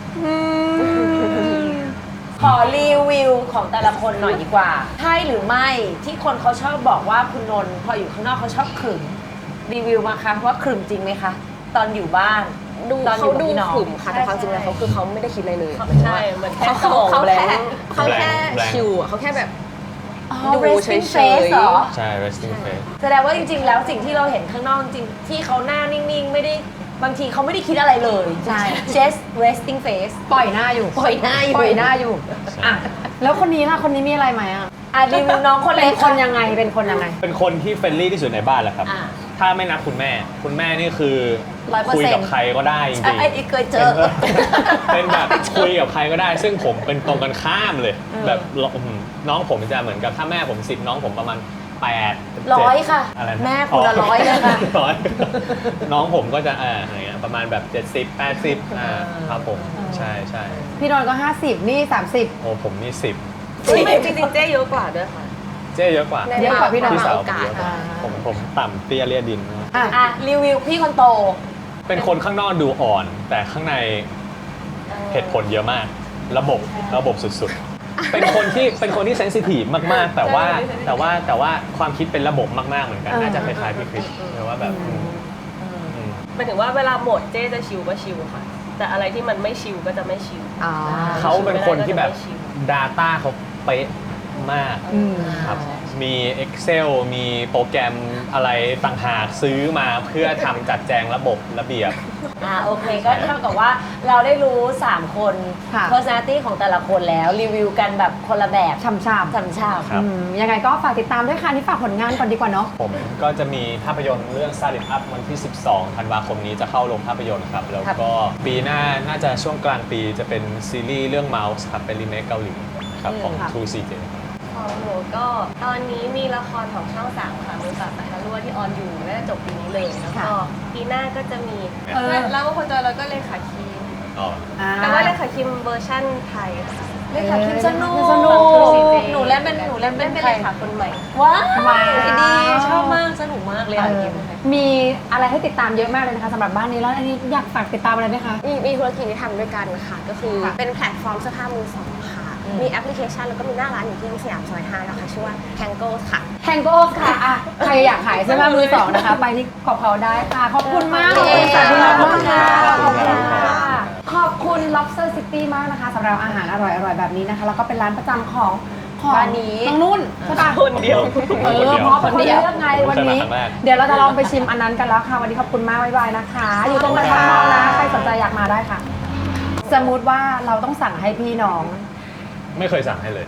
[SPEAKER 2] ขอรีวิวของแต่ละคนหน่อยดีกว่า ใช่หรือไม่ที่คนเขาชอบบอกว่าคุณนนท์พออยู่ข้างนอกเขาชอบขรึมรีวิวมาคะว่าขรึมจริงไหมคะ ตอนอยู่บ้าน
[SPEAKER 5] ดู
[SPEAKER 2] ตอนอ
[SPEAKER 5] เขา
[SPEAKER 2] ยู่กับ
[SPEAKER 5] ดู
[SPEAKER 2] พี่น้อง
[SPEAKER 5] ขึมค่ะแต่ความจริงแล้วเขาคือเขาไม่ได้คิดอะไรเลย
[SPEAKER 4] ใช่เหมือนแค่
[SPEAKER 5] เขา
[SPEAKER 4] ส
[SPEAKER 5] เขา
[SPEAKER 4] มอง
[SPEAKER 5] เขา
[SPEAKER 4] แบง
[SPEAKER 5] แค่
[SPEAKER 4] ค์
[SPEAKER 5] เขาแค่
[SPEAKER 3] blank
[SPEAKER 5] ชิวอะเขาแค่แบบ
[SPEAKER 2] อ๋อ
[SPEAKER 5] ดู
[SPEAKER 2] resting
[SPEAKER 5] เฉยๆ
[SPEAKER 2] face เหรอ
[SPEAKER 3] ใช่ resting face
[SPEAKER 2] แสดงว่าจริงๆ แล้วสิ่งที่เราเห็นข้างนอกจริงๆที่เขาหน้านิ่งๆ ไม่ได้บางทีเขาไม่ได้คิดอะไรเลย
[SPEAKER 1] ใช่
[SPEAKER 2] just resting face
[SPEAKER 1] ปล่อยหน้าอยู่
[SPEAKER 2] ปล่อยหน้าอยู่
[SPEAKER 1] ปล่อยหน้าอยู่อ่ะแล้วคนนี้ล่ะคนนี้มีอะไรไหมอ่ะ
[SPEAKER 2] อ่ะรีวิวน้องคน
[SPEAKER 1] เป็
[SPEAKER 2] เล็
[SPEAKER 1] น
[SPEAKER 2] ก
[SPEAKER 1] คนยังไงเป็นคนยังไง
[SPEAKER 3] เป็นคนที่เฟรนลี่ที่สุดในบ้านแหละครับ
[SPEAKER 2] อ่ะ
[SPEAKER 3] ถ้าไม่นับคุณแม่ คุณแม่นี่คือ
[SPEAKER 2] ร้อยเปอร์
[SPEAKER 3] คุย
[SPEAKER 2] เซ็นต์
[SPEAKER 3] กับใครก็ได้จริง
[SPEAKER 2] ใช่
[SPEAKER 3] ๆ
[SPEAKER 2] เคยเจอ
[SPEAKER 3] เป็นแบบคุยกับใครก็ได้ ซึ่งผมเป็นตรงกันข้ามเลย
[SPEAKER 2] เออ
[SPEAKER 3] แบบอื้อหือน้องผมจะเหมือนกับถ้าแม่ผมสิบน้องผมประมาณแปด
[SPEAKER 2] ร้อยค่ะ
[SPEAKER 3] อะไรนะ
[SPEAKER 2] แม่คุณละร้อยเลยค่ะ
[SPEAKER 3] ร้อยน้องผมก็จะอ่าอะไรเงี้ยประมาณแบบเจ็ดสิบแปดสิบอ่าครับผมใช่ใช่
[SPEAKER 1] พี่นนท์ก็ห้าสิบนี่สามสิบ
[SPEAKER 3] โอ้ผมนี่สิบ
[SPEAKER 4] ไม่จริงๆเจ๊เยอะกว่าด้วยค่ะ
[SPEAKER 3] เจ๊เยอะกว่า
[SPEAKER 5] ใน
[SPEAKER 1] เยอะกว่าพี่นนท์
[SPEAKER 3] พี่สาว
[SPEAKER 5] โอ
[SPEAKER 3] ผม
[SPEAKER 5] กาส
[SPEAKER 3] เยอะกว่าผมผมต่ำเตี้ยเลียดิน
[SPEAKER 1] อ่ะ
[SPEAKER 2] อ่ะรีวิวพี่คนโต
[SPEAKER 3] เป็นคนข้างนอกดูอ่อน แต่ข้างในเหตุผลเยอะมาก ระบบระบบสุดๆ เป็นคนที่เป็นคนที่เซนซิทีฟมากๆ แต่ว่าแต่ว่าแต่ว่าความคิดเป็นระบบมากๆเหมือนกัน
[SPEAKER 1] เออ
[SPEAKER 3] น่าจะคล้ายๆพี่คริสหรือว่าแบบอืมอืม
[SPEAKER 4] หมายถึงว่าเวลาโหมดเจ๊จะชิลก็ชิลค่ะ แต่อะไรที่มันไม่ชิลก็จะไม่ชิล
[SPEAKER 1] อ๋อ
[SPEAKER 3] เขาเป็นคนที่แบบ
[SPEAKER 4] ไม่ชิล
[SPEAKER 3] Data เขาเป๊ะมาก
[SPEAKER 1] อืม
[SPEAKER 3] ครับ มี Excel มีโปรแกรมอะไรต่างหากซื้อมาเพื่อทำจัดแจงระบบระเบียบ
[SPEAKER 2] อ่าโอเคก็เท่ากับว่าเราได้รู้ สาม คน
[SPEAKER 1] ค่ะ
[SPEAKER 2] personality ของแต่ละคนแล้วรีวิวกันแบบคนละแบบ
[SPEAKER 1] ช่ำๆ
[SPEAKER 2] ฉ่ำ
[SPEAKER 3] ครับ
[SPEAKER 1] อืมยังไงก็ฝากติดตามด้วยค่ะนี่ฝากผลงานก่อนดีกว่าเนาะ
[SPEAKER 3] ผมก็จะมีภาพยนตร์เรื่อง Start It Up วันที่ สิบสอง ธันวาคมนี้จะเข้าโรงภาพยนตร์ครับ แล้วก็ปีหน้าน่าจะช่วงกลางปีจะเป็นซีรีส์เรื่อง Mouse ครับ เป็นรีเมคเกาหลีครับของ
[SPEAKER 1] ค่ะ
[SPEAKER 3] ทู ซี เจ
[SPEAKER 4] ของหนูก็ตอนนี้มีละครของช่องสามค่ะมือปราบสัตว์รั่วที่ออนอยู่น่าจะจบปีนี้เลยแล้วก็ปีหน้าก็จะมี
[SPEAKER 1] เออ
[SPEAKER 4] แล้วก็คนจอยแล้วก็เลขาคิม
[SPEAKER 3] อ๋อ
[SPEAKER 1] อ่
[SPEAKER 4] แต่ว่าเลขาคิมเวอร์ชั่นไทยค่ะ
[SPEAKER 2] ๆเลขาคิมสนุก
[SPEAKER 1] สนุก
[SPEAKER 2] หนูเล่นเป็นหนูเล่น
[SPEAKER 4] เล่
[SPEAKER 2] เป็น น
[SPEAKER 4] เป็น
[SPEAKER 2] ใคร
[SPEAKER 4] เลขาคนใหม่
[SPEAKER 2] ว้าว
[SPEAKER 1] ว้าว
[SPEAKER 2] ดีชอบมากสนุกมากเลย
[SPEAKER 1] เอ
[SPEAKER 2] ค่ะ
[SPEAKER 1] อ
[SPEAKER 2] คิม
[SPEAKER 1] มีอะไรให้ติดตามเยอะมากเลยนะคะสำหรับบ้านนี้แล้วอันนี้อยากฝากติดตามอะไรไหมคะ
[SPEAKER 5] มีมีธุรกิจที่ทำด้วยกันค่ะ ก็คือ
[SPEAKER 1] ค่ะ
[SPEAKER 5] เป็นแพลตฟอร์มเสื้อผ้ามือสองค่ะ มีแอปพลิเคชันแล้วก็มีหน้าร้านอยู่ที่สยามซอยห้านะคะชื่อว่า Tango ค่ะ
[SPEAKER 1] แฮงโกโอค่ะอ่ะ ใครอยากขายเสื้อผ้ามือสองนะคะ ไปที่ของเขาได้ค่ะ ขอบคุณมากขอบคุณค่ะพี่น้องมากค่ะขอบคุณค่ะขอบคุณ lobster city มากนะคะสำหรับอาหารอร่อยๆแบบนี้นะคะ แล้วก็เป็นร้านประจำของของ
[SPEAKER 2] บ้านนี้
[SPEAKER 1] น้องนุ่นใช่ปะ
[SPEAKER 4] คนเดียว
[SPEAKER 1] เออเพราะเป็นคนเลือกไงวันนี้
[SPEAKER 3] ครั้งแรก
[SPEAKER 1] เดี๋ยวเราจะลองไปชิมอันนั้นกันแล้วค่ะ วันนี้ขอบคุณมากบ๊ายบายนะคะ อยู่ตรงกระชับมองนะ ใครสนใจอยากมาได้ค่ะ สมมุติว่าเราต้องสั่งให้พี่น้อง
[SPEAKER 3] ไม่เคยสั่งให้เลย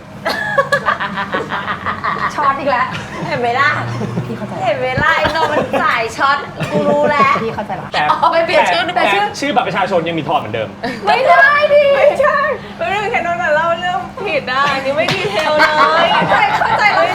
[SPEAKER 1] ช็อตอีกแล้ว
[SPEAKER 2] เห็นไหมล่ะ
[SPEAKER 1] พี่เข้าใจ
[SPEAKER 2] เห็นไหมล่ะไอ้โนมันสายช็อตกูรู้แล้ว
[SPEAKER 1] พี่เข้าใจละ
[SPEAKER 3] แต่
[SPEAKER 2] อ๋อไม่เปลี่ยนชื่อ
[SPEAKER 3] แต่
[SPEAKER 2] แต่ชื่อ
[SPEAKER 3] ชื่อบัตรประชาชนยังมีทอนเหมือนเดิม
[SPEAKER 1] ไม่ได้ดิไม่ใช่
[SPEAKER 4] ไม่ได้แค่นนท์เล่าเรื่องผิดนะอันนี้ไม่ดีเทลเลย
[SPEAKER 1] เข้าใจเข้าใจ